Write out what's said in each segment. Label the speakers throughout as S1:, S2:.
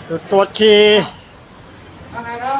S1: จุดตรวจฉี่
S2: อะไรครับ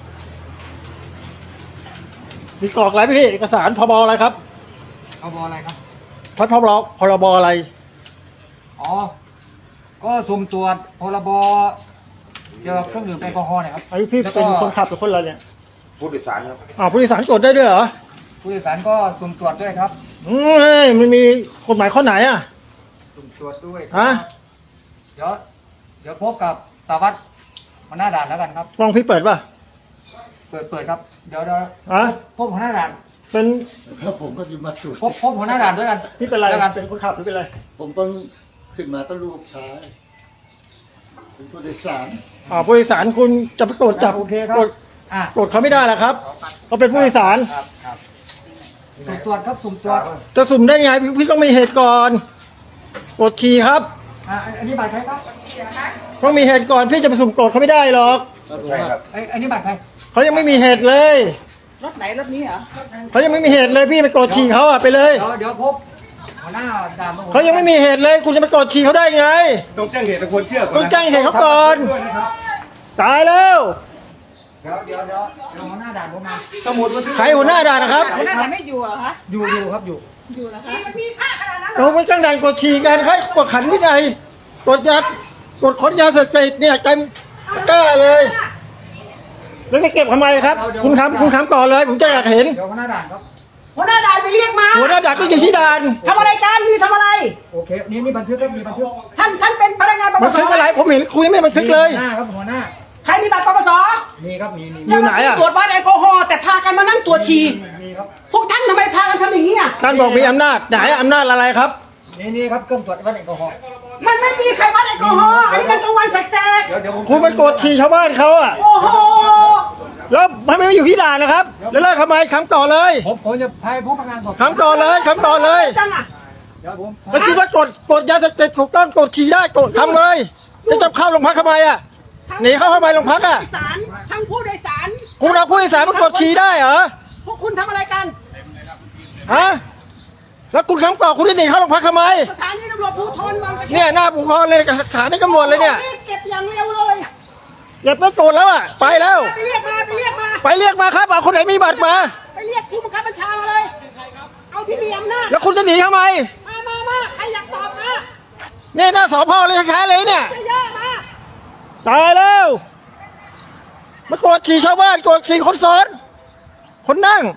S1: มีกรอกอะไรพี่เอกสารพบอะไรครับ
S2: พบอะไรครับ
S1: พรบอะไร
S2: อ๋อก็สุ่มตรวจพรบเกี่ยวกับเครื่องดื่มแอลกอฮอล์นะครับ
S1: ไอ้พี่เป็นคนขับหรือคนอะไรเนี่ย
S3: ผู้โดยสารครับ
S1: ผู้โดยสารตรวจได้ด้วยเหรอ
S2: ผู้โดยสารก็สุ่มตรวจด้วยครับ
S1: มันมีกฎหมายข้อไหนอ่ะ
S2: สุ่มตรวจด้วย
S1: ฮะ
S2: เดี๋ยวพบกับสารวัตรหัวหน้าด่านแล้วกันครับ
S1: กล้องพี่เปิดป่ะ
S2: เปิดครับเดี๋ยวพบหัวหน้าด่าน
S1: เป็น
S3: แล้วผมก็จะมาจุด
S2: พบหัวหน้าด่านด้วยกัน
S1: พี่เป็นอะไรเป็นคนขับหรือเป็นอะไร
S3: ผมต้องขึ้นมาต้องลูกชายเป็นผู้โดยสาร
S1: ผู้โดยสารคุณจะไปตรวจจับ
S2: โอเคครับ
S1: ตรวจเขาไม่ได้หรอครับเขาเป็นผู้โดยสาร
S2: ครับสุ่มตรวจครับสุ่มตรวจ
S1: จะสุ่มได้ไงพี่ต้องมีเหตุก่อนตรวจฉี่ครับ
S2: อันนี้บัตรใครครับ
S1: ต้องมีเหตุก่อนพี่จะไปสุ่มตรวจเขาไม่ได้หรอก
S3: ใช่ครับ
S2: อันนี้บัตรใคร
S1: เขายังไม่มีเหตุเลย
S4: รถไหนรถนี้เหรอ
S1: เขายังไม่มีเหตุเลยพี่ไปกดฉี่เขาไปเลย
S2: เดี๋ยวพบหัวหน้าด่าน
S1: เขายังไม่มีเหตุเลยคุณจะไปกดฉี่เขาได้ไง
S3: ต้องแจ้งเหตุควรเชื่อ
S1: ต้องแจ้งเหตุเขาก่อนตายแล้ว
S2: เดี๋ยวหัวหน้าด่านผมมา
S3: สมุดบันทึก
S1: ใครหัวหน้าด่านนะครับ
S4: หัวหน้าด่านไม่อยู่เหรอคะ
S2: อยู่ครับอยู่
S4: แล้วคะมันมีค่าขนาดนั้น
S1: เราไม่จ้างด่านกดฉี่กันให้กดขันวินัยกดขนยาเสพติดเนี่ยกันกล้าเลยแล้วจะเก็บทำไมครับคุณทำก่อนเลยผมจะอยากเห็น
S2: เดี๋ยวหัวหน้าด่านครับ
S4: หัวหน้าด่านไปเรียกมา
S1: หัวหน้าด่านก็อยู่ที่ด่าน
S4: ทำอะไรกันนี่ทำอะไร
S2: โอเคนี่บันทึกครับมีบันทึก
S4: ท่านเป็นพนักงานปปส
S1: บันทึกอะไรผมเห็นคุณยังไม่บันทึกเลย
S2: หัวหน้าครับหัวหน้า
S4: ใครมีบัตรปปส
S2: มีครับมี
S1: อยู่ไหนอ่ะ
S4: ตรวจวัดแอลกอฮอล์แต่พากันมานั่งตรวจฉี่
S2: มีครับ
S4: พวกท่านทำไมพากันทำอย่างนี้อ่ะ
S1: ท่านบอกมีอำนาจไหนอำนาจอะไรครับ
S2: นี่ครับเครื่องตรวจวัดแอลกอฮอล์
S4: มันไม่มีใครวัดแอลกอฮอล์อันนี้มันกลางวันแสก
S1: ๆคุณมันกดฉี่ชาวบ้านเขาอ่ะ
S4: โอ้โห
S1: แล้วทำไมไม่อยู่ที่ด่านนะครับแล้วเลิกทำไมคำต่อเลย
S2: ผมจะพายพนักงานสอบ
S1: คำต่อเลย
S4: จังอ่ะ
S2: เดี๋ยวผม
S1: แล้วคิดว่ากดยาเสพติดถูกต้องกดฉี่ได้กดทำเลยจะจับเข้าโรงพักทำไมอ่ะหนีเข้าทำไมโรงพักอ่ะ
S4: ทั้งผู้โดยสาร
S1: คุณเอาผู้โดยสารมากดฉี่ได้เหรอ
S4: พวกคุณทำอะไรกัน
S1: ฮะแล้วคุณคำต่อคุณจะหนีเข้าโรงพักทำไม
S4: สถานีตำรวจภูธรบางกะปิ
S1: เนี่ยหน้าภูธรเลยสถานีตำรวจเลยเนี่ย
S4: เก็บอย่างเร็วเลย
S1: อย่าไปโกรธแล้วอ่ะไปแล้ว
S4: ไปเรียก
S1: มาครับเอาคนไหนมีบัตรมา
S4: ไปเรียกผู้บังคับบัญชามาเลยเอาที่มีอำนาจ
S1: แล้วคุณจะหนีทำไม
S4: มาใครอยากตอบมา
S1: เนี่ยหน้าสพเลยแท้ๆเลยเนี่ย
S4: เยอะมา
S1: ตายแล้วมากดขี่ชาวบ้านกดขี่คนซ้อนคนนั่ง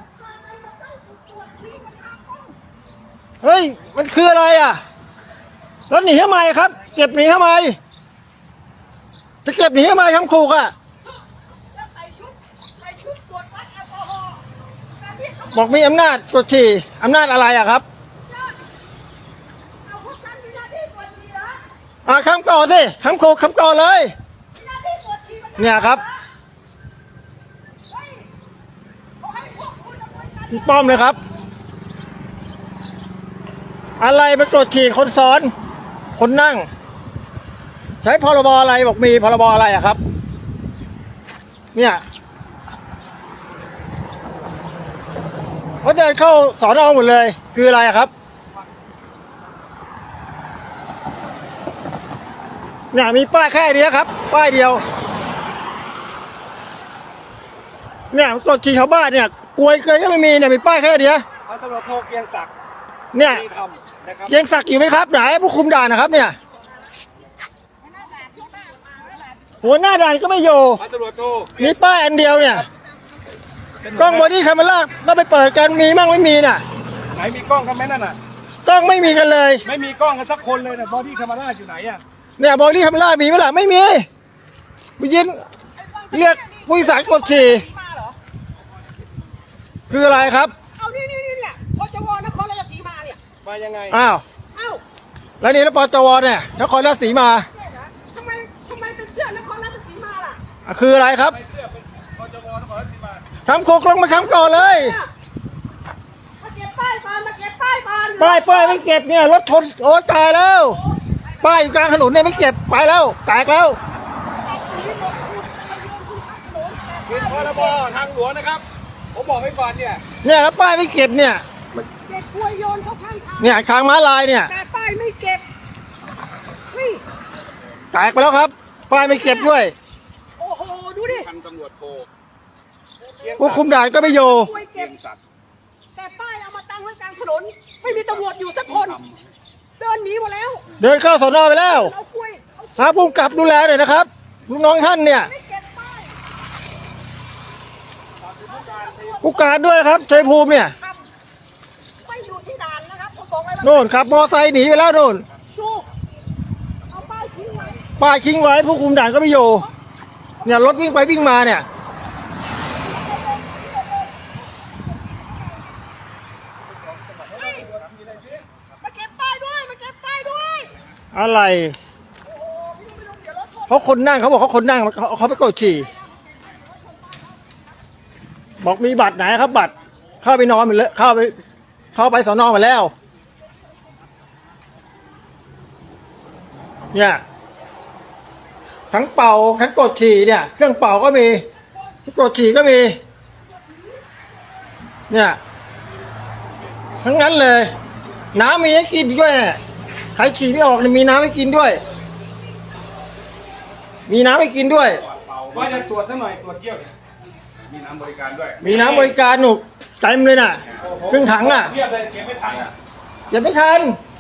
S1: เฮ้ยมันคืออะไรอ่ะแล้วหนีทำไมครับเก็บหนีทำไมจะเก็บหนีทำไมคำขู่อ่ะบอกมีอำนาจกดขี่อำนาจอะไรอ่ะครับคำก่อสิคำขู่คำก่อเลยเนี่ยครับพี่ป้อมเลยครับอะไรไปกดขี่คนซ้อนคนนั่งใช้พรบอะไรบอกมีพรบอะไรอะครับเนี่ยเขาเดินเข้าสอนอหมดเลยคืออะไรอะครับเนี่ยมีป้ายแค่เดียวครับป้ายเดียวเนี่ยกดขี่ชาวบ้านเนี่ยกลวยเคยก็ไม่มีเนี่ยมีป้ายแค่เดียว
S3: พันตำรวจโทเกียงศักดิ์
S1: เนี่ยเกียงศักดิ์อยู่ไหมครับไหนผู้คุมด่านนะครับเนี่ยหัวหน้าด่านก็ไม่อยู่มีป้ายอันเดียวเนี่ยกล้องบอดี้แคมเมราก็ไปเปิดกันมีมั่งไม่มีน่ะ
S3: ไหนมีกล้องกันไหมนั่นน่ะ
S1: กล้องไม่มีกันเลย
S3: ไม่มีกล้องกันสักคนเลยนะบอดี้แคมเมราอยู่ไหนอ่ะ
S1: เนี่ยบอดี้แคมเมรามีไหมล่ะไม่มีไปยินเรียกผู้โดยสารกดฉี่คืออะไรครับ
S4: เอานี่เนี่ยพจวนครราชสีมาเนี่ย
S3: มายังไง
S1: อ้าวแล้วนี่แล้วปจวเนี่ยนครราชสีมา
S4: ทำไมเป็นเสื้อนครราชสีมาล่ะ
S1: คืออะไรครับ
S3: เสื้อเป็นปจวนครราชสีมา
S1: คำโคกลงมาคำก่อนเลย
S4: มาเก็บป้ายก่อน
S1: ป้ายไม่เก็บเนี่ยรถชนโอ้ตายแล้วป้ายอยู่กลางถนนเนี่ยไม่เก็บไปแล้วแตกแล้ว
S3: เป็นพรบทางหลวงนะครับผมบอกไว้ก่อนเนี่ย
S1: แล้วป้ายไม่เก็บเนี่ย
S4: เก็บกล้วยโยนเข้าข้างทาง
S1: เนี่ยทางม้าลายเนี่ย
S4: แต่ป้ายไม่เก็บนี่
S1: แตกไปแล้วครับป้ายไม่เก็บด้วย
S4: โอ้โหดูดิ
S5: พันตำรวจโท
S1: ผู้คุมด่านก็ไม่อยู่
S4: ช่วย
S5: เกี
S4: เก็
S5: ย
S4: บ
S5: งศักดิ์
S4: แต่ป้ายเอามาตั้งไว้กลางถนนไม่มีตำรวจอยู่สักคนเดินหนีหมดแล้ว
S1: เดินเข้าสอนอไปแล้ว
S4: เอากล้วยเอา
S1: หาผู้กำกับดูแลหน่อยนะครับลูกน้องท่านเนี่ย
S4: ไม่เก็บป้าย
S1: ผู้การด้วยครับชัยภูมิเนี่ย
S4: ครับไม่อยู่ที่ด่านนะครับผมบอกไว้ว่า
S1: โน่นขับมอไซค์หนีไปแล้วโน่น
S4: ดูเอาป้ายทิ้งไว้
S1: ป้ายทิ้งไว้ผู้คุมด่านก็ไม่อยู่เนี่ยรถวิ่งไปวิ่งมาเนี่ย
S4: เฮ้ยมาเก็บป้ายด้วยมาเก็บป้ายด้วย
S1: อะไร
S4: โอ้โหพี่ลุงเดี๋ยวรถชน
S1: เขาคนนั่งเขาบอกเขาคนนั่งเขาไปกดฉี่บอกมีบัตรไหนครับ บัตรเข้าไปนอนไปเลยเข้าไปสอนอมาแล้ว เนี่ยทั้งเป่าทั้งกดฉี่เนี่ยเครื่องเป่าก็มีกดฉี่ก็มี เนี่ยทั้งนั้นเลย น้ำมีให้กินด้วยเนี่ยใครฉี่ไม่ออกเนี่ยมีน้ำให้กินด้วย มีน้ำให้กินด้วย
S5: ว่าจะตรวจสักหน่อยตรวจเยี่ยวเนี่ยมีน้ำบริการด้วย
S1: มีน้ำบริการหนุกเต็มเลยน่ะครึ่งถังอ่ะ
S5: เทียบเลยเก็บไม่ทันอ่ะ
S1: อย่าไม่ทัน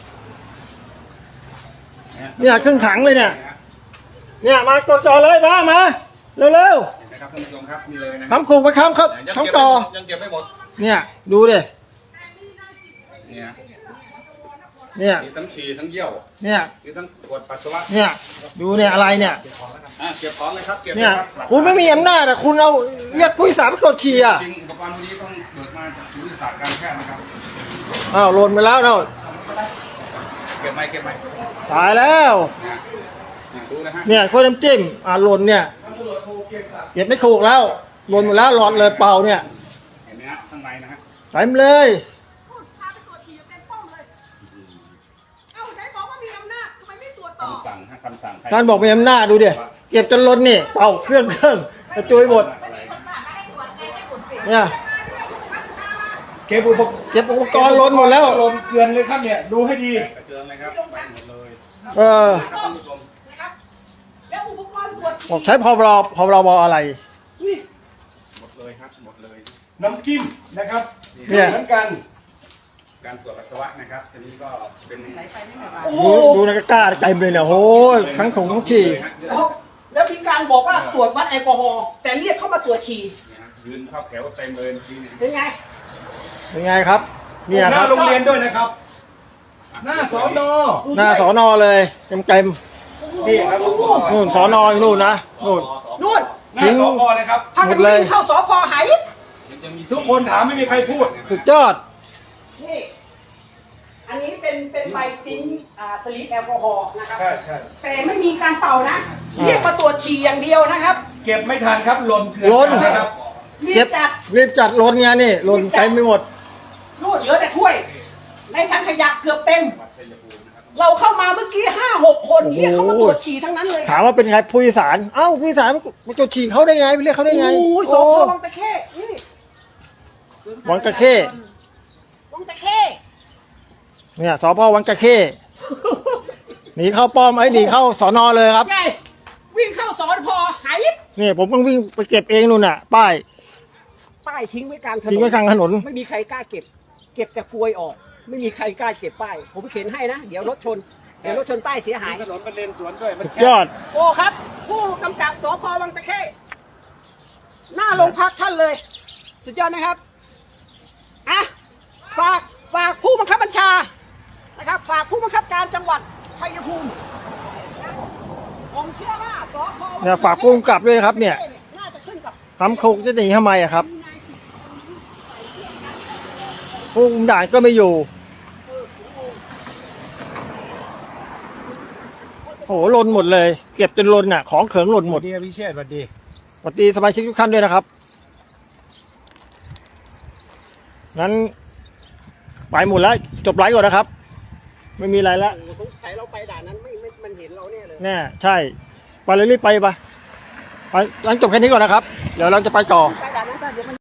S1: เนี่ยครึ่งถังเลยเนี่ย เนี่ยมากดจอเลยมาเร็ว
S5: เห็นไหมครับท่านผู้ชมครับนี่เลยนะ
S1: ๆทำขู่ไปค้ำครับ
S5: ยัง
S1: ทั้งต่อ
S5: ยังเก็บไม่หมด
S1: เนี่ยดูดิ
S5: เนี่ย
S1: เนี่ย
S5: มีทั้งฉี่ทั้งเยี่ยว
S1: เนี่ย
S5: มีทั้งตรวจปัสสาวะ
S1: เนี่ยดูเนี่ยอะไรเนี่ย
S5: เก็บของเลยครับเก็บ
S1: เนี่ย
S5: ลครับ
S1: คุณไม่มีอำนาจอ่ะคุณเอาเรียกผู้โดยสารไปกดฉี่อ่ะ
S5: จริงอุปกรณ์พวกนี้ต้องเกิดมาจากศูนย์วิทยาศาสตร์การแพทย์นะครับ
S1: อ้าวหล่นไปแล้วเนาะ
S5: เก็บไหม
S1: ตายแล้ว
S5: ดูนะฮะ
S1: เนี่ยถ้วยน้ำจิ้มหล่นเนี่ยเก็บไม่ถูกแล้วหล่นหมดแล้วหลอดเลยเป่าเนี่ย
S5: เห็นไหมฮะข้างในนะฮะ
S1: เต็มเลย
S4: พาไปตรวจฉี่เต็มป้อมเลย เอ้าไหนบอกว่ามีอำนาจทำไมไม่ตรวจต่อ
S5: คำสั่งฮะคำสั่ง
S1: ท่านบอกมีอำนาจดูดิเก็บจนล้นนี่เป่าเครื่องกระจุยหมดเนี่ย
S2: เก็บอุปกรณ์
S1: เก็บอุปกรณ์ล้นหมดแล้ว
S2: ลนเกลือนเลยครับเนี่ยดูให้ดี
S5: กระเจิงเลยครับไปหมดเลย
S1: เออ
S5: ครับท่านผู้ชม
S4: นะครับ แล้วอุปกรณ์ตรวจ
S1: บอกใช้พรบอะไร
S4: นี่
S5: หมดเลยครับหมดเลย
S2: น้ำจิ้มนะครับ
S1: เนี่ย
S2: เหมือนกัน
S5: การตรวจปัสสาวะนะครับทีนี้ก็เป็น
S4: โอ้โห
S1: ดูในกล้าเต็มเลยเนี่ยโอ้ยทั้งถุงทั้งฉี่
S4: แล้วมีการบอกว่าตรวจวัดแอลกอฮอล์แต่เรียกเข้ามาตรวจฉี่
S5: ยืนเข้าแถวเต็มเลยทีนี้
S4: เป็นไง
S1: เป็นไงครับ เนี่ย
S2: ห
S1: ค
S2: น้า
S1: รับ
S2: โรงเรียนด้วยนะครับ หน้าสอนอ
S1: หน้าสอนอเลยเต็ม
S2: นี่ครับอุปกรณ์
S1: ๆนู่นสอนออยู่นู่นนะนู่น
S4: นู่น
S2: หน้าสพนะครับ
S4: พากันวิ่งเข้าสพหาย
S2: ทุกคนถามไม่มีใครพูด
S1: สุดยอด
S4: นี่ อันนี้เป็นใบติ้นสลีปแอลกอฮอล์นะครับ
S2: ใช่ใช่
S4: แต่ไม่มีการเป่านะ
S1: อ่า
S4: เรียกมาตรวจฉี่อย่างเดียวนะครับ
S2: เก็บไม่ทันครับหล่นเกลื
S1: หล่น
S2: นะครับ
S4: รีบจัด
S1: รีบจัดล้นไงนี่ล้นเต็มไปหมด
S4: นู่นเหลือแต่ถ้วย ในถังขยะเกือบเต็ม เราเข้ามาเมื่อกี้5-6 คนเรียกเขามาตรวจฉี่ทั้งนั้นเลย
S1: ถามว่าเป็นไงผู้โดยสารเอ้าผู้โดยสารมาจดฉี่เขาได้ไงไปเรียกเขาได้ไง
S4: โอ้ยส
S1: โอ้
S4: พวังตะเข้นี่
S1: วังตะเข้
S4: วังตะเข้
S1: เนี่ยสพวังตะเข้หนีเข้าป้อมหนีเข้าสอนอเลยครับ
S4: ไงวิ่งเข้าสอนพอหาย
S1: นี่ผมต้องวิ่งไปเก็บเองนู่นน่ะ ป้าย
S4: ป้ายทิ้งไว้กลางถนน
S1: ทิ้งไว้กลางถนน
S4: ไม่มีใครกล้าเก็บ เก็บแต่กลวยออก ไม่มีใครกล้าเก็บป้าย ผมเข็นให้นะ เดี๋ยวรถชน เดี๋ยวรถชนป้ายเสียหาย
S2: ถนนเป็นเลนสวนด้วยมัน
S1: สุด
S2: แคบ
S1: ยอด
S4: โอ้ครับ ผู้กำกับสพวังตะเข้หน้าโรงพักท่านเลย สุดยอดนะครับอ่ะฝากผู้บังคับบัญชานะครับ ฝากผู้บังคับการจังหวัดชัยภูมิผมเชื่อว่าสพวังตะเข้
S1: เนี่ยฝากผู้กำกับด้วยนะครับเนี่ย
S4: น่าจะขึ้นกับ
S1: ทำคุกจะหนีทำไมอะครับผู้คุมด่านก็ไม่อยู่โอ้โหหล่นหมดเลย เก็บจนหล่นน่ะของเขิงหล่นหมด
S2: ดีพิเชษสวัสดี
S1: สวัสดีสมาชิกทุกท่านด้วยนะครับ งั้นไปหมดแล้วจบไลฟ์ก่อนนะครับ ไม่มีอะไรแล้ว
S4: สงสัยเราไปด่านนั้นไม่มันเห็นเราเนี่ยเลย
S1: แน่ใช่ ไปเลยรีบไปไปงั้นจบแค่นี้ก่อนนะครับ เดี๋ยวเราจะไปต่อ
S4: ไป